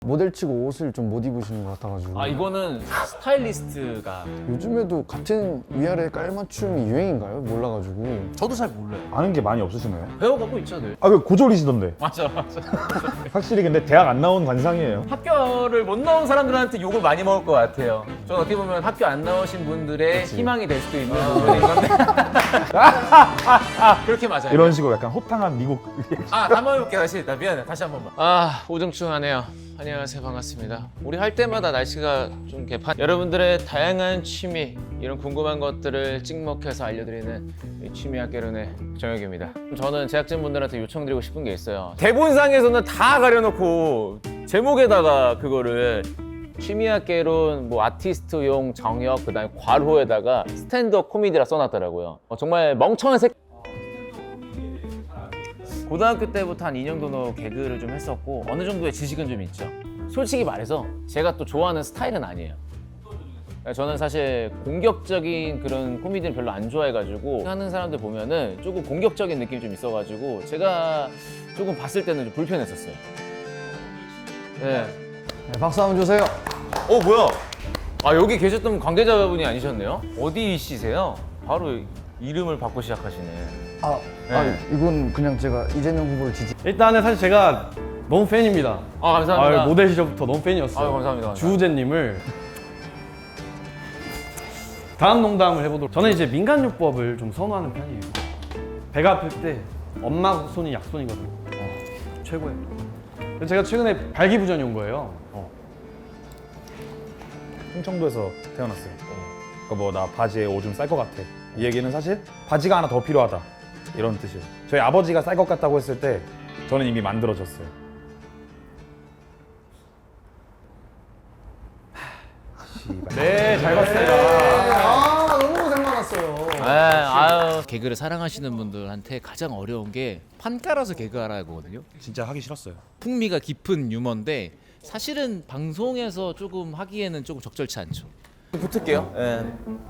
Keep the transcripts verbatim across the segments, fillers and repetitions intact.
모델 치고 옷을 좀 못 입으시는 것 같아가지고. 아 이거는 스타일리스트가 요즘에도 같은 위아래 깔맞춤이 유행인가요? 몰라가지고. 저도 잘 몰라요. 아는 게 많이 없으시네요. 배워가고 있죠 늘. 아, 그 고졸이시던데. 맞아 맞아. 확실히 근데 대학 안 나온 관상이에요. 학교를 못 나온 사람들한테 욕을 많이 먹을 것 같아요. 저는 어떻게 보면 학교 안 나오신 분들의 희망이 될 수도 있는 부분인 건데. 그렇게 맞아요. 이런 식으로 약간 호탕한 미국. 아, 한번 해볼게요. 다시. 나 미안해. 다시 한 번만. 아, 우중충하네요. 안녕하세요. 반갑습니다. 우리 할 때마다 날씨가 좀 개판. 여러분들의 다양한 취미, 이런 궁금한 것들을 찍먹해서 알려드리는 이 취미학개론의 정혁입니다. 저는 제작진분들한테 요청드리고 싶은 게 있어요. 대본상에서는 다 가려놓고 제목에다가 그거를 취미학개론, 뭐 아티스트용 정혁, 그 다음에 괄호에다가 스탠드업 코미디라 써놨더라고요. 어, 정말 멍청한 새 고등학교 때부터 한 이 년 정도 개그를 좀 했었고 어느 정도의 지식은 좀 있죠. 솔직히 말해서 제가 또 좋아하는 스타일은 아니에요. 저는 사실 공격적인 그런 코미디는 별로 안 좋아해가지고 하는 사람들 보면은 조금 공격적인 느낌이 좀 있어가지고 제가 조금 봤을 때는 좀 불편했었어요. 네. 네, 박수 한번 주세요. 어 뭐야? 아 여기 계셨던 관계자분이 아니셨네요? 어디시세요? 바로 이름을 받고 시작하시네. 아, 네. 아, 이건 그냥 제가 이재명 후보를 지지. 일단은 사실 제가 너무 팬입니다. 아 감사합니다. 아, 모델 시절부터 너무 팬이었어요. 아유, 감사합니다, 감사합니다. 주우재님을 다음 농담을 해보도록. 저는 이제 민간요법을 좀 선호하는 편이에요. 배가 아플 때 엄마 손이 약손이거든요. 어, 최고예요. 그래서 제가 최근에 발기부전이 온 거예요. 어. 충청도에서 태어났어요. 그러니까 뭐 나 바지에 오줌 쌀 것 같아. 이 얘기는 사실 바지가 하나 더 필요하다. 이런 뜻이에요. 저희 아버지가 쌀 것 같다고 했을 때 저는 이미 만들어졌어요. 네, 잘 봤습니다. 아, 너무 고생 많았어요. 네, 아유. 개그를 사랑하시는 분들한테 가장 어려운 게 판 깔아서 개그하라거든요. 진짜 하기 싫었어요. 풍미가 깊은 유머인데 사실은 방송에서 조금 하기에는 조금 적절치 않죠. 붙을게요. 예.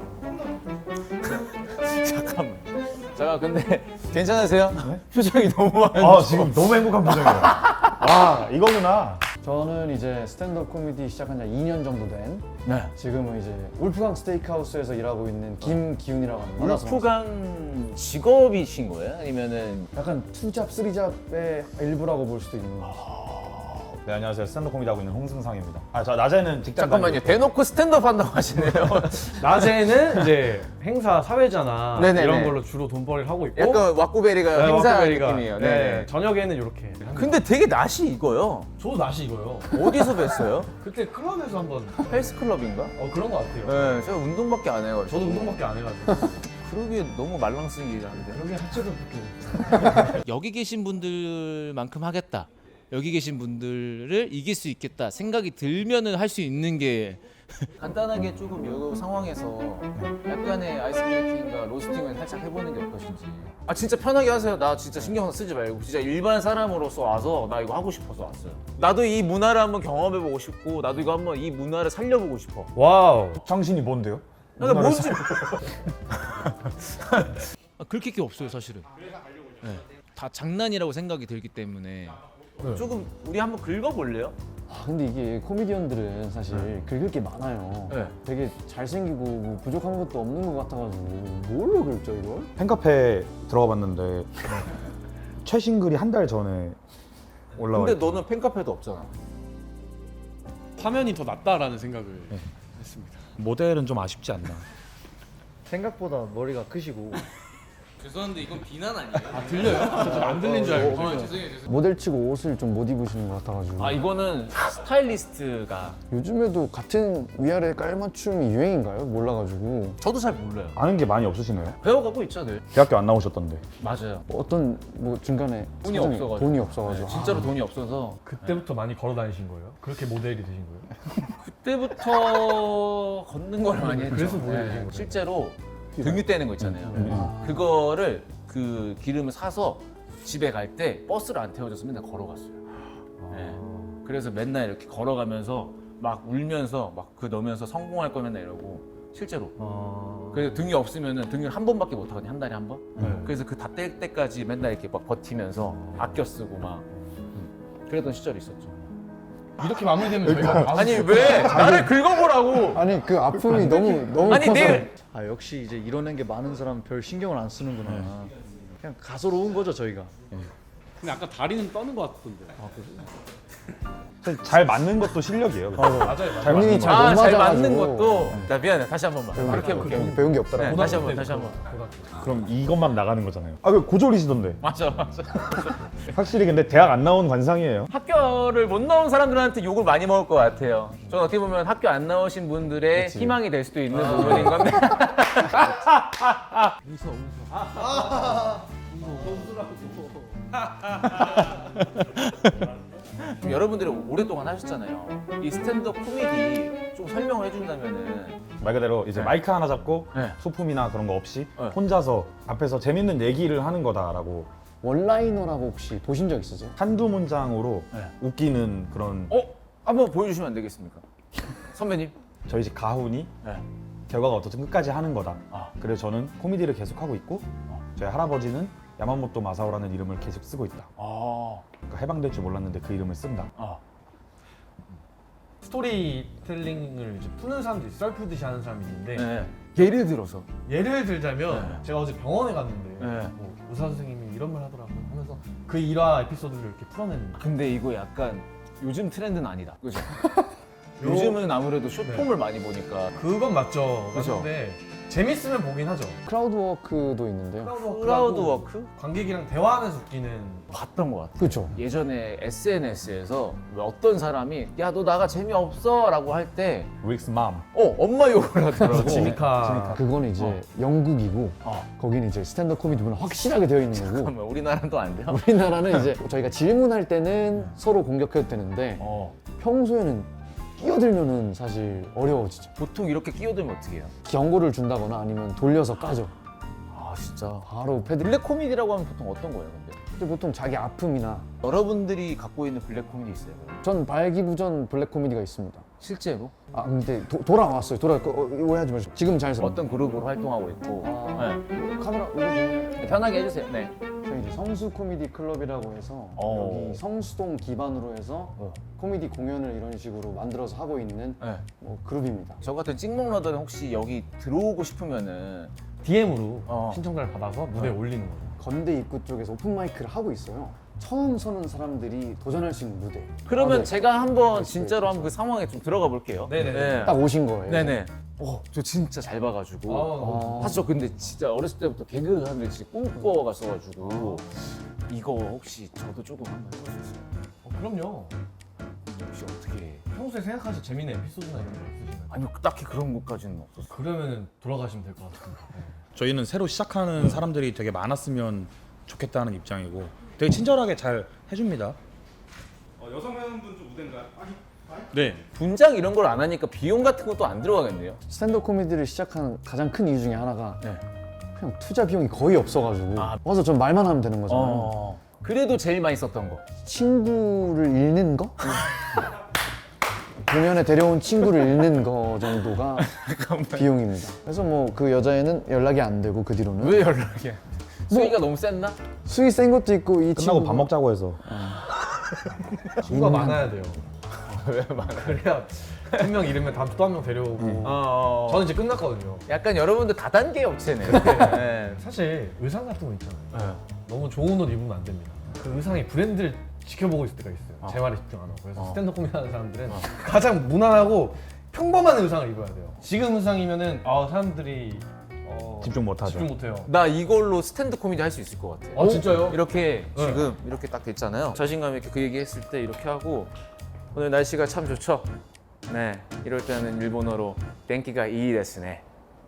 잠깐만. 잠깐 근데 괜찮으세요? 표정이 너무 안 아, 지금 너무 행복한 표정이에요. 와, 이거구나. 저는 이제 스탠드업 코미디 시작한 지 이 년 정도 된 네. 지금은 이제 울프강 스테이크하우스에서 일하고 있는 김기훈이라고 합니다. 울프강 직업이신 거예요? 아니면은 약간 투잡, 쓰리잡의 일부라고 볼 수도 있는 네, 안녕하세요. 스탠드업 코미디 하고 있는 홍승상입니다. 아, 저 낮에는 직장 잠깐만요. 다니고 대놓고 스탠드업 한다고 하시네요. 낮에는 이제 행사 사회자나 네네네. 이런 걸로 주로 돈벌이를 하고 있고 약간 왁구베리가 네, 행사 워크베리가. 느낌이에요. 네. 네. 저녁에는 이렇게. 근데 되게 낯이 익어요. 저도 낯이 이거요. 어디서 뵀어요? 그때 클럽에서 한번 헬스클럽인가? 어 그런 거 같아요. 네, 제가 운동밖에 안 해가지고. 저도 운동밖에 안 해가지고. 그러기에 너무 말랑쓰기가 한데. 여기 하체도 붙고. 여기 계신 분들만큼 하겠다. 여기 계신 분들을 이길 수 있겠다 생각이 들면은 할 수 있는 게 간단하게 조금 이 상황에서 약간의 아이스 브레이킹과 로스팅을 살짝 해보는 게 어떠신지. 아 진짜 편하게 하세요. 나 진짜 신경 쓰지 말고 진짜 일반 사람으로서 와서 나 이거 하고 싶어서 왔어요. 나도 이 문화를 한번 경험해보고 싶고 나도 이거 한번 이 문화를 살려보고 싶어. 와우. 당신이 뭔데요? 나 뭔지 아, 그렇게 게 없어요 사실은. 네. 다 장난이라고 생각이 들기 때문에 조금 우리 한번 긁어볼래요? 아, 근데 이게 코미디언들은 사실 긁을 게 많아요. 네. 되게 잘생기고 뭐 부족한 것도 없는 것 같아가지고 뭘로 긁죠 이걸? 팬카페 들어가 봤는데 최신 글이 한 달 전에 올라와 근데 있어요. 너는 팬카페도 없잖아. 화면이 더 낫다라는 생각을 했습니다. 모델은 좀 아쉽지 않나. 생각보다 머리가 크시고 죄송한데 이건 비난 아니에요? 아 들려요? 안 들린 줄 알고. 아, 죄송해요, 죄송해요. 모델 치고 옷을 좀 못 입으시는 것 같아가지고. 아 이거는 스타일리스트가 요즘에도 같은 위아래 깔맞춤이 유행인가요? 몰라가지고. 저도 잘 몰라요. 아는 게 많이 없으시네요. 배워가고 있죠 늘. 대학교 안 나오셨던데. 맞아요. 어떤 뭐 중간에 돈이 사정이- 없어가지고. 돈이 없어가지고. 진짜로 돈이 없어서 그때부터 많이 걸어 다니신 거예요? 그렇게 모델이 되신 거예요? 그때부터 걷는 걸 많이 했죠. 그래서 모델이 네, 되신 거예요? 실제로 등유 떼는 거 있잖아요. 그거를 그 기름을 사서 집에 갈 때 버스를 안 태워줘서 맨날 걸어갔어요. 네. 그래서 맨날 이렇게 걸어가면서 막 울면서 막 그 넣으면서 성공할 거면 맨날 이러고 실제로. 아... 그래서 등이 없으면은 등을 한 번밖에 못 하거든요. 한 달에 한 번. 네. 그래서 그 다 뗄 때까지 맨날 이렇게 막 버티면서 아껴 쓰고 막 음. 그랬던 시절이 있었죠. 이렇게 마무리되면 저희가 아니 왜 나를 긁어보라고? 아니 그 아픔이 너무 너무 아니 커서 내일 아 역시 이제 이뤄낸 게 많은 사람 별 신경을 안 쓰는구나. 그냥 가소로운 거죠 저희가. 근데 아까 다리는 떠는 것 같던데. 사실 잘 맞는 것도 실력이에요. 맞아요. 잘 본인이 맞는 잘 거. 못 아 잘 맞아가지고. 맞는 것도 나 미안해 다시 한 번만 그렇게 해볼게. 배운, 배운 게 없더라고. 네, 다시 한 번 다시 한 번. 그럼 이것만 나가는 거잖아요. 아, 그 고졸이시던데. 맞아 맞아. 확실히 근데 대학 안 나온 관상이에요. 학교를 못 나온 사람들한테 욕을 많이 먹을 것 같아요. 저는 어떻게 보면 학교 안 나오신 분들의 그치. 희망이 될 수도 있는 부분인 건데. 좀 여러분들이 오랫동안 하셨잖아요. 이 스탠드업 코미디 좀 설명을 해준다면은 말 그대로 이제 네. 마이크 하나 잡고 네. 소품이나 그런 거 없이 네. 혼자서 앞에서 재밌는 얘기를 하는 거다라고 원라이너라고 혹시 보신 적 있으세요? 한두 문장으로 네. 웃기는 그런 어 한번 보여주시면 안 되겠습니까, 선배님? 저희 집 가훈이 네. 결과가 어떻든 끝까지 하는 거다. 아. 그래서 저는 코미디를 계속 하고 있고 저희 할아버지는 야마모토 마사오라는 이름을 계속 쓰고 있다. 아. 그러니까 해방될 줄 몰랐는데 그 이름을 쓴다. 아. 스토리텔링을 이제 푸는 사람들이 썰 푸듯이 하는 사람이 있는데 네. 예를 들어서. 예를 들자면 네. 제가 어제 병원에 갔는데 네. 뭐 의사 선생님이 이런 말 하더라고요 하면서 그 일화 에피소드를 이렇게 풀어내는 근데 이거 약간 요즘 트렌드는 아니다. 그죠? 요즘은 아무래도 숏폼을 많이 보니까 그건 맞죠. 그죠. 근데 재밌으면 보긴 하죠. 크라우드 워크도 있는데요. 크라우드 워크? 관객이랑 대화하면서 웃기는 봤던 것 같아. 그렇죠. 예전에 에스엔에스에서 어떤 사람이 야 너 나가 재미없어 라고 할 때 릭스 맘. 어 엄마 욕을 하더라고. 지미카 그거는 이제 영국이고 어. 거기는 이제 스탠드업 코미디 문화 확실하게 되어 있는 거고 잠깐만 우리나라는 또 안 돼요? 우리나라는 이제 저희가 질문할 때는 서로 공격해도 되는데 어. 평소에는 끼어들면은 사실 어려워지죠. 보통 이렇게 끼어들면 어떻게 해요? 경고를 준다거나 아니면 돌려서 까죠. 아 진짜 바로 패드. 블랙 코미디라고 하면 보통 어떤 거예요 근데? 근데 보통 자기 아픔이나 여러분들이 갖고 있는 블랙 코미디 있어요? 그럼? 전 발기부전 블랙 코미디가 있습니다. 실제로? 아 근데 도, 돌아왔어요. 돌아 어, 오해하지 마시고 지금 잘 써. 어떤 그룹으로 활동하고 있고 아, 네. 카메라 이거 보면 편하게 해주세요. 네. 저희 이제 성수 코미디 클럽이라고 해서 어. 여기 성수동 기반으로 해서 어. 코미디 공연을 이런 식으로 만들어서 하고 있는 네. 뭐 그룹입니다. 저 같은 찍먹러들은 혹시 여기 들어오고 싶으면은 디엠으로 어. 신청자를 받아서 무대에 올리는 거죠. 건대 입구 쪽에서 오픈 마이크를 하고 있어요. 처음 서는 사람들이 도전할 수 있는 무대. 그러면 아, 네. 제가 한번 네, 진짜로 네, 한번 그 상황에 좀 들어가 볼게요. 네네. 딱 오신 거예요. 네네. 어, 저 진짜 잘 봐가지고. 어. 아, 사실 저 근데 진짜 어렸을 때부터 개그 하는 데 진짜 꿈꿔갔어가지고 이거 혹시 저도 조금 한번 해볼 수 있어요? 어, 그럼요. 혹시 어떻게 해? 평소에 생각하실 재밌는 에피소드나 이런 거 있으시나요? 아니 딱히 그런 것까지는 없었어. 그러면은 돌아가시면 될 것 같습니다. 네. 저희는 새로 시작하는 사람들이 되게 많았으면 좋겠다는 입장이고 되게 친절하게 잘 해줍니다. 여성 회원분 좀 무대인가요? 네. 분장 이런 걸 안 하니까 비용 같은 것도 안 들어가겠네요. 스탠드업 코미디를 시작한 가장 큰 이유 중에 하나가 네. 그냥 투자 비용이 거의 없어가지고 아. 와서 전 말만 하면 되는 거잖아요. 어. 그래도 제일 많이 썼던 거. 친구를 잃는 거? 공연에 데려온 친구를 잃는 거 정도가 비용입니다. 그래서 뭐 그 여자애는 연락이 안 되고 그 뒤로는 왜 연락이야? 수위가 너무 셌나? 수위 센 것도 있고 이 끝나고 친구 밥 먹자고 해서 친구가 인간. 많아야 돼요. 왜 많아? 그래야 한 명 잃으면 다음 또 한 명 데려오고. 어. 저는 이제 끝났거든요. 약간 여러분들 다단계 업체네. 네. 사실 의상 같은 거 있잖아요. 네. 너무 좋은 옷 입으면 안 됩니다. 그 의상의 브랜드를 지켜보고 있을 때가 있어요. 어. 제 말에 집중 안 하고. 그래서 어. 스탠드업 코미디 하는 사람들은 가장 무난하고 평범한 의상을 입어야 돼요. 지금 의상이면은 아 사람들이 어, 집중 못 하죠. 집중 못 해요. 나 이걸로 스탠드 코미디 할 수 있을 것 같아. 아 진짜요? 이렇게 네. 지금 이렇게 딱 됐잖아요. 자신감 있게 그 얘기 했을 때 이렇게 하고 오늘 날씨가 참 좋죠. 네, 이럴 때는 일본어로 땡기가 이 데스네.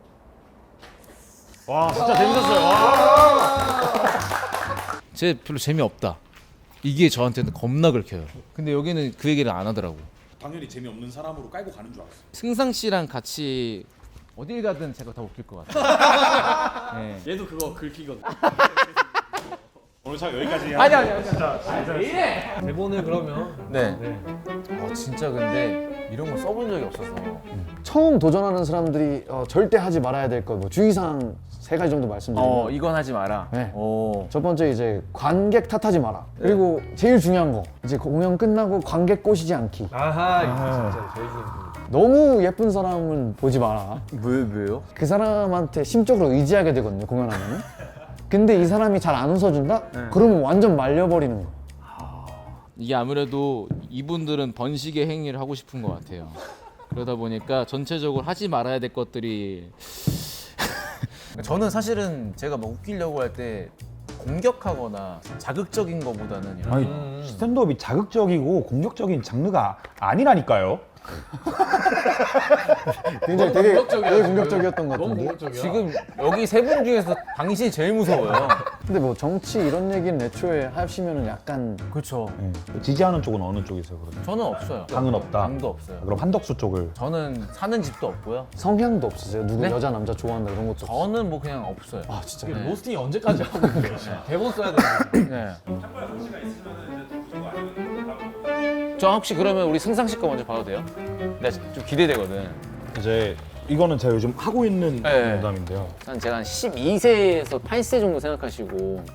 와 진짜 재밌었어요. 와. 쟤 별로 재미없다. 이게 저한테는 겁나 긁혀요. 근데 여기는 그 얘기를 안 하더라고. 당연히 재미없는 사람으로 깔고 가는 줄 알았어. 승상 씨랑 같이 어딜 가든 제가 다 웃길 것 같아요. 네. 얘도 그거 긁히거든. 오늘 참 여기까지. 아니 아니 아니. 대본을 그러면 네. 네. 어, 진짜 근데 이런 거 써본 적이 없어서. 처음 도전하는 사람들이 어, 절대 하지 말아야 될 거 뭐 주의사항 세 가지 정도 말씀드리면 어 이건 하지 마라. 네. 오. 첫 번째 이제 관객 탓하지 마라. 그리고 제일 중요한 거 이제 공연 끝나고 관객 꼬시지 않기. 아하 이거 진짜 제일 중요한 거. 너무 예쁜 사람은 보지 마라. 왜 왜요? 그 사람한테 심적으로 의지하게 되거든요 공연하면은. 근데 이 사람이 잘 안 웃어준다? 그러면 완전 말려버리는 거. 이게 아무래도 이분들은 번식의 행위를 하고 싶은 것 같아요. 그러다 보니까 전체적으로 하지 말아야 될 것들이 저는 사실은 제가 막 웃기려고 할 때 공격하거나 자극적인 거보다는 이런 아니 스탠드업이 자극적이고 공격적인 장르가 아니라니까요. 굉장히 되게, 되게 공격적이었던 것 같은데. 지금 여기 세 분 중에서 당신이 제일 무서워요. 근데 뭐 정치 이런 얘기는 애초에 하시면은 약간 그렇죠. 네. 지지하는 쪽은 어느 쪽이세요 그러면? 저는 없어요. 당은 없다. 당도 없어요. 그럼 한덕수 쪽을. 저는 사는 집도 없고요. 성향도 없으세요? 누구 네? 여자 남자 좋아한다 이런 것도 없어요? 저는 뭐 그냥 없어요. 아 진짜? 네. 로스팅이 언제까지 하고 있는 거야? 대본 써야 되는데. 네. 저 혹시 그러면 우리 승상씨 거 먼저 봐도 돼요? 나 좀 기대되거든. 이제 이거는 제가 요즘 하고 있는 네. 농담인데요. 한 제가 한 십이 세에서 팔 세 정도 생각하시고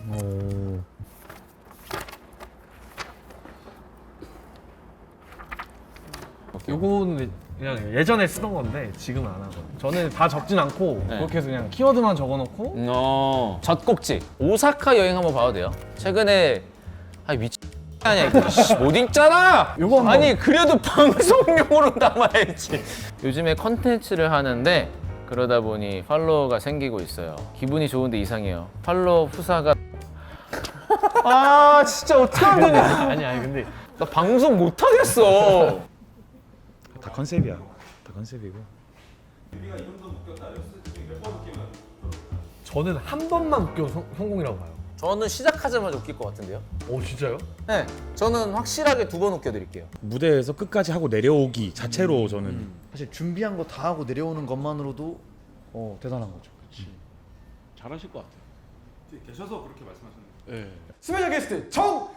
요거는 그냥 예전에 쓰던 건데 지금은 안 하고. 저는 다 적진 않고 네. 그렇게 해서 그냥 키워드만 적어놓고 어, 젖꼭지 오사카 여행 한번 봐도 돼요? 최근에 아 미친 아니야 이거 씨, 못 읽잖아. 요거 한번- 아니 그래도 방송용으로 담아야지. 요즘에 컨텐츠를 하는데 그러다 보니 팔로워가 생기고 있어요. 기분이 좋은데 이상해요. 팔로워 후사가 아 진짜 어떻게 하면 되냐. 아니 아니 근데 나 방송 못 하겠어. 다 컨셉이야. 다 컨셉이고. 저는 한 번만 웃겨 성, 성공이라고 봐요. 저는 시작하자마자 웃길 것 같은데요? 오 진짜요? 네, 저는 확실하게 두 번 웃겨드릴게요. 무대에서 끝까지 하고 내려오기 자체로 저는 사실 준비한 거 다 하고 내려오는 것만으로도 어, 대단한 거죠. 잘하실 것 같아요. 계셔서 그렇게 말씀하셨는데. 스페셜 게스트 정현!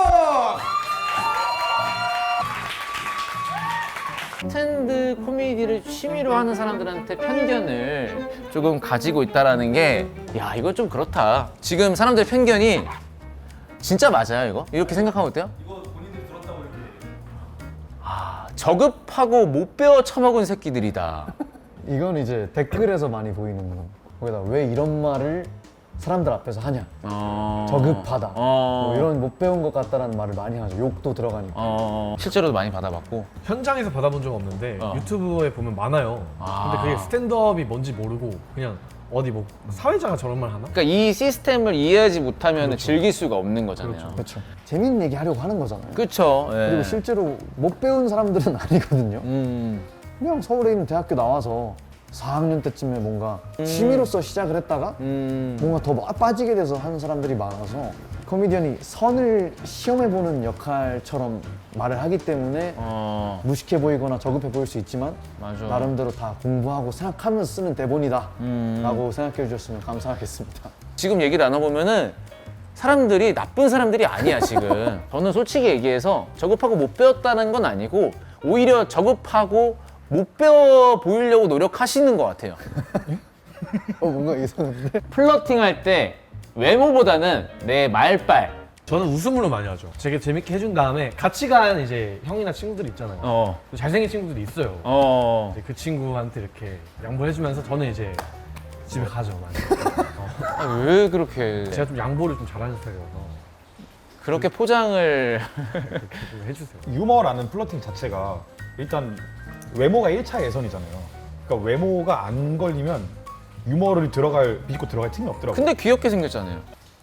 스탠드 코미디를 취미로 하는 사람들한테 편견을 조금 가지고 있다라는 게, 야 이거 좀 그렇다. 지금 사람들 편견이 진짜 맞아요 이거? 이렇게 생각하면 어때요? 이거 본인들이 들었다고 이렇게. 아 저급하고 못 배워 처먹은 새끼들이다. 이건 이제 댓글에서 많이 보이는 거. 거기다 왜 이런 말을 사람들 앞에서 하냐. 어... 저급하다. 어... 뭐 이런 못 배운 것 같다라는 말을 많이 하죠. 욕도 들어가니까. 어... 실제로도 많이 받아봤고. 현장에서 받아본 적 없는데 어. 유튜브에 보면 많아요. 아. 근데 그게 스탠드업이 뭔지 모르고 그냥 어디 뭐 사회자가 저런 말 하나? 그러니까 이 시스템을 이해하지 못하면 즐길 수가 없는 거잖아요. 그렇죠. 재밌는 얘기 하려고 하는 거잖아요. 그렇죠. 그리고 실제로 못 배운 사람들은 아니거든요. 음. 그냥 서울에 있는 대학교 나와서 사 학년 때쯤에 뭔가 취미로서 시작을 했다가 음. 뭔가 더 빠- 빠지게 돼서 하는 사람들이 많아서 코미디언이 선을 시험해보는 역할처럼 말을 하기 때문에 어. 무식해 보이거나 저급해 보일 수 있지만 맞아. 나름대로 다 공부하고 생각하면서 쓰는 대본이다 음. 라고 생각해 주셨으면 감사하겠습니다. 지금 얘기 나눠보면은 사람들이 나쁜 사람들이 아니야 지금. 저는 솔직히 얘기해서 저급하고 못 배웠다는 건 아니고 오히려 저급하고 못 배워 보이려고 노력하시는 것 같아요. 어, 뭔가 이상한데? 플러팅 할 때 외모보다는 내 말빨. 저는 웃음으로 많이 하죠. 되게 재밌게 해준 다음에 같이 간 이제 형이나 친구들 있잖아요. 어. 잘생긴 친구들이 있어요. 어. 이제 그 친구한테 이렇게 양보해주면서 저는 이제 집에 가죠 많이. 아, 왜 그렇게 제가 좀 양보를 좀 잘하는 스타일이라서 그렇게 포장을 좀 해주세요. 유머라는 플러팅 자체가 일단 외모가 일 차 예선이잖아요. 그러니까 외모가 안 걸리면 유머를 들어갈 비집고 들어갈 틈이 없더라고요. 근데 귀엽게 생겼잖아요.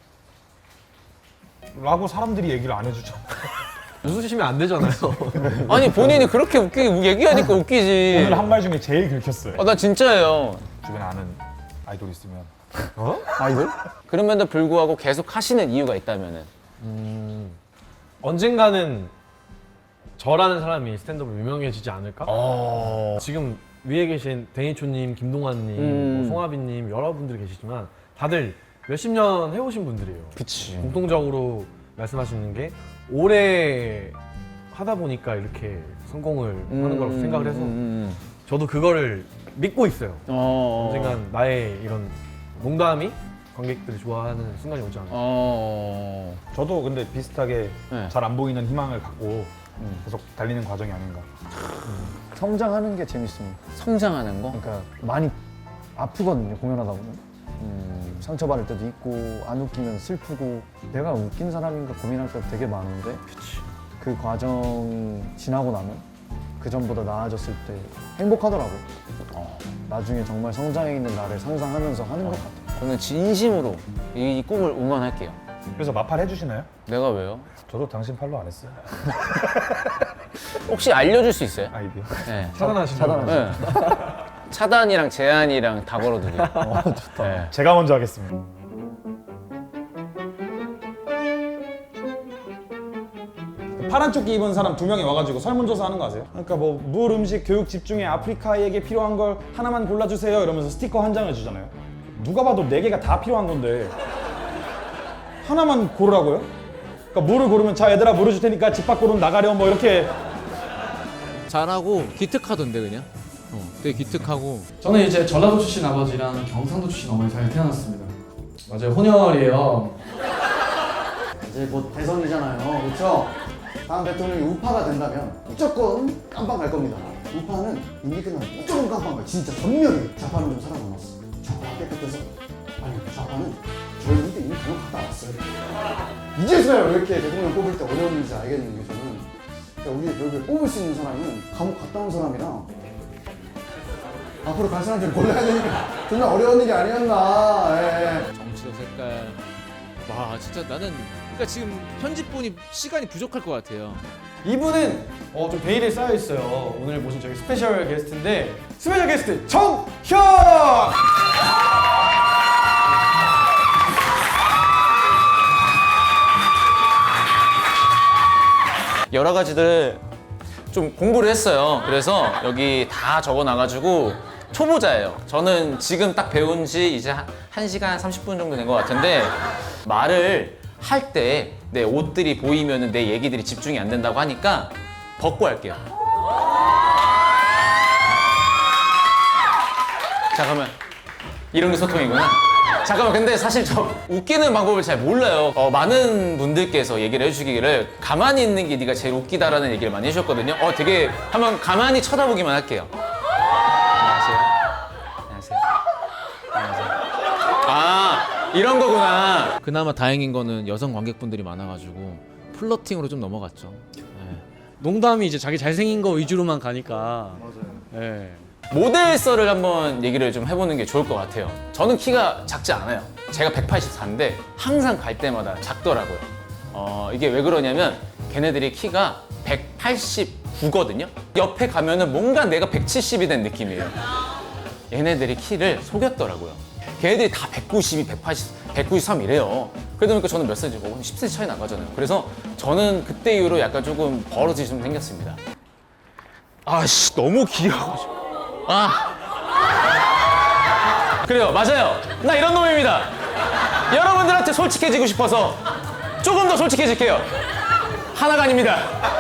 라고 사람들이 얘기를 안 해주죠. 웃으시면 안 되잖아요. 아니 본인이 그렇게 웃기 얘기하니까 웃기지. 오늘 한 말 중에 제일 긁혔어요. 아, 나 진짜예요. 주변에 아는 아이돌 있으면 아이돌? 그럼에도 불구하고 계속 하시는 이유가 있다면은. 언젠가는 저라는 사람이 스탠드업으로 유명해지지 않을까? 지금 위에 계신 데니초님, 김동완님, 음. 뭐 송하빈님 여러분들이 계시지만 다들 몇십 년 해오신 분들이에요. 그치. 공통적으로 말씀하시는 게 오래 하다 보니까 이렇게 성공을 하는 거라고 생각을 해서 음. 저도 그거를 믿고 있어요. 어. 언젠간 나의 이런 농담이 관객들이 좋아하는 순간이 오지 않을까. 어. 저도 근데 비슷하게 네. 잘 안 보이는 희망을 갖고 계속 달리는 과정이 아닌가. 성장하는 게 재밌습니다. 성장하는 거? 그러니까 많이 아프거든요, 공연하다 보면. 음, 상처받을 때도 있고 안 웃기면 슬프고 내가 웃긴 사람인가 고민할 때도 되게 많은데 그 과정 지나고 나면 그 전보다 나아졌을 때 행복하더라고요. 어, 나중에 정말 성장해 있는 나를 상상하면서 하는 것 같아요. 저는 진심으로 이 꿈을 응원할게요. 그래서 마팔 해주시나요? 내가 왜요? 저도 당신 팔로 안 했어요. 혹시 알려줄 수 있어요? 아이디어. 네. 차단하시는 차단하시죠. 네. 차단이랑 제한이랑 다 걸어두게. 어, 좋다. 네. 제가 먼저 하겠습니다. 파란 조끼 입은 사람 두 명이 와가지고 설문조사 하는 거 아세요? 그러니까 뭐 물, 음식, 교육 집중에 아프리카에게 필요한 걸 하나만 골라주세요 이러면서 스티커 한 장을 주잖아요. 누가 봐도 네 개가 다 필요한 건데 하나만 고르라고요? 그러니까 물을 고르면 자 얘들아 물을 줄 테니까 집 밖으로 나가렴 뭐 이렇게. 잘하고 기특하던데 그냥. 어, 되게 기특하고. 저는 이제 전라도 출신 아버지랑 경상도 출신 어머니 사이에 태어났습니다. 맞아요, 혼혈이에요. 이제 곧 대선이잖아요, 그렇죠? 다음 대통령이 우파가 된다면 무조건 깜빵 갈 겁니다. 우파는 임기 끝나면 무조건 깜빵 가요. 진짜 전멸이에요. 좌파는 좀 살아남았어. 좌파가 깨끗해서 아니 좌파는 저희한테 이미 감옥 갔다 왔어요. 이제서야 왜 이렇게 대통령 뽑을 때 어려웠는지 알겠는 게 저는 그러니까 우리 결국에 뽑을 수 있는 사람은 감옥 갔다 온 사람이랑 앞으로 갈 사람 좀 골라야 되니까 정말 어려운 일이 아니었나. 예. 정치적 색깔. 와 진짜 나는 그러니까 지금 편집본이 시간이 부족할 것 같아요. 이분은 어, 좀 베일에 쌓여 있어요. 오늘 모신 저희 스페셜 게스트인데 스페셜 게스트 정혁! 여러 가지들 좀 공부를 했어요. 그래서 여기 다 적어놔가지고 초보자예요. 저는 지금 딱 배운 지 이제 한 시간 삼십 분 정도 된 것 같은데 말을 할 때 내 옷들이 보이면 내 얘기들이 집중이 안 된다고 하니까 벗고 할게요. 잠깐만. 이런 게 소통이구나. 잠깐만, 근데 사실 저 웃기는 방법을 잘 몰라요. 어, 많은 분들께서 얘기를 해주시기를 가만히 있는 게 네가 제일 웃기다라는 얘기를 많이 해주셨거든요. 어, 되게 한번 가만히 쳐다보기만 할게요. 안녕하세요. 안녕하세요. 안녕하세요. 아, 이런 거구나. 그나마 다행인 거는 여성 관객분들이 많아가지고 플러팅으로 좀 넘어갔죠. 네. 농담이 이제 자기 잘생긴 거 위주로만 가니까. 맞아요. 네. 모델썰을 한번 얘기를 좀 해보는 게 좋을 것 같아요. 저는 키가 작지 않아요. 제가 백팔십사인데 항상 갈 때마다 작더라고요. 어, 이게 왜 그러냐면 걔네들이 키가 백팔십구거든요. 옆에 가면은 뭔가 내가 백칠십이 된 느낌이에요. 얘네들이 키를 속였더라고요. 걔네들이 다 백구십이, 백팔십, 백구십삼이래요. 그러다 보니까 저는 몇 센치 보고 십 센치 차이 나가잖아요. 그래서 저는 그때 이후로 약간 조금 버릇이 좀 생겼습니다. 아씨, 너무 귀여워가지고. 아. 그래요, 맞아요. 나 이런 놈입니다. 여러분들한테 솔직해지고 싶어서 조금 더 솔직해질게요. 하나가 아닙니다.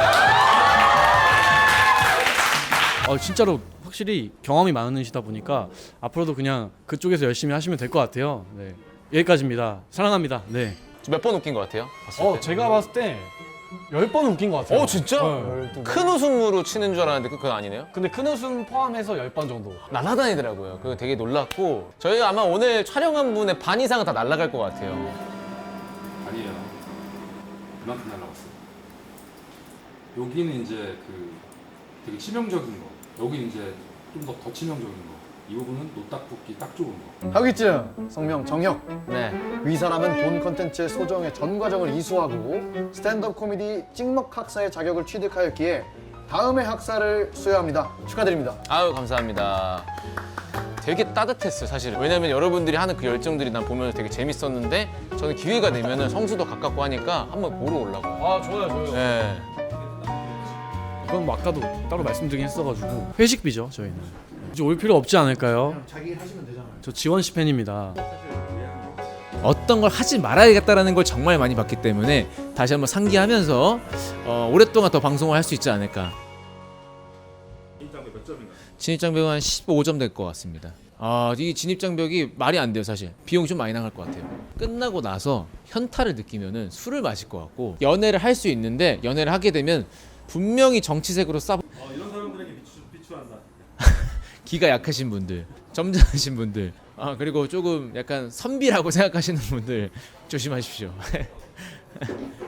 어, 진짜로 확실히 경험이 많으시다 보니까 앞으로도 그냥 그쪽에서 열심히 하시면 될 것 같아요. 네. 여기까지입니다. 사랑합니다. 네. 몇 번 웃긴 것 같아요? 봤을 어, 때? 제가 봤을 때 열 번은 웃긴 것 같아요. 어, 진짜? 네. 큰 웃음으로 치는 줄 알았는데 그건 아니네요? 근데 큰 웃음 포함해서 열 번 정도. 날아다니더라고요. 그거 되게 놀랐고 저희가 아마 오늘 촬영한 분의 반 이상은 다 날아갈 것 같아요. 아니에요. 그만큼 날라갔어요. 여기는 이제 그 되게 치명적인 거. 여기 이제 좀 더 더 치명적인 거. 이 부분은 노딱 붙기 딱 좋은 거. 하기증 성명 정혁. 네. 이 사람은 본 컨텐츠의 소정의 전 과정을 이수하고 스탠드업 코미디 찍먹 학사의 자격을 취득하였기에 다음의 학사를 수여합니다. 축하드립니다. 아유, 감사합니다. 되게 따뜻했어요, 사실. 왜냐면 여러분들이 하는 그 열정들이 난 보면 되게 재밌었는데 저는 기회가 되면은 성수도 가깝고 하니까 한번 보러 오려고요. 아, 좋아요, 좋아요. 네. 이건 뭐 아까도 따로 말씀드리긴 했어가지고 회식비죠, 저희는. 이제 올 필요 없지 않을까요? 자기 일 하시면 되잖아요. 저 지원 씨 팬입니다. 어떤 걸 하지 말아야겠다라는 걸 정말 많이 봤기 때문에 다시 한번 상기하면서 어, 오랫동안 더 방송을 할 수 있지 않을까. 진입장벽 몇 점인가요? 진입장벽은 한 십오 점 될 것 같습니다. 아, 이 진입장벽이 말이 안 돼요, 사실. 비용 좀 많이 나갈 것 같아요. 끝나고 나서 현타를 느끼면은 술을 마실 것 같고 연애를 할 수 있는데 연애를 하게 되면 분명히 정치색으로 싸. 어, 이런 사람들에게 비추, 비추한다. 기가 약하신 분들, 점잖으신 분들, 아 그리고 조금 약간 선비라고 생각하시는 분들 조심하십시오.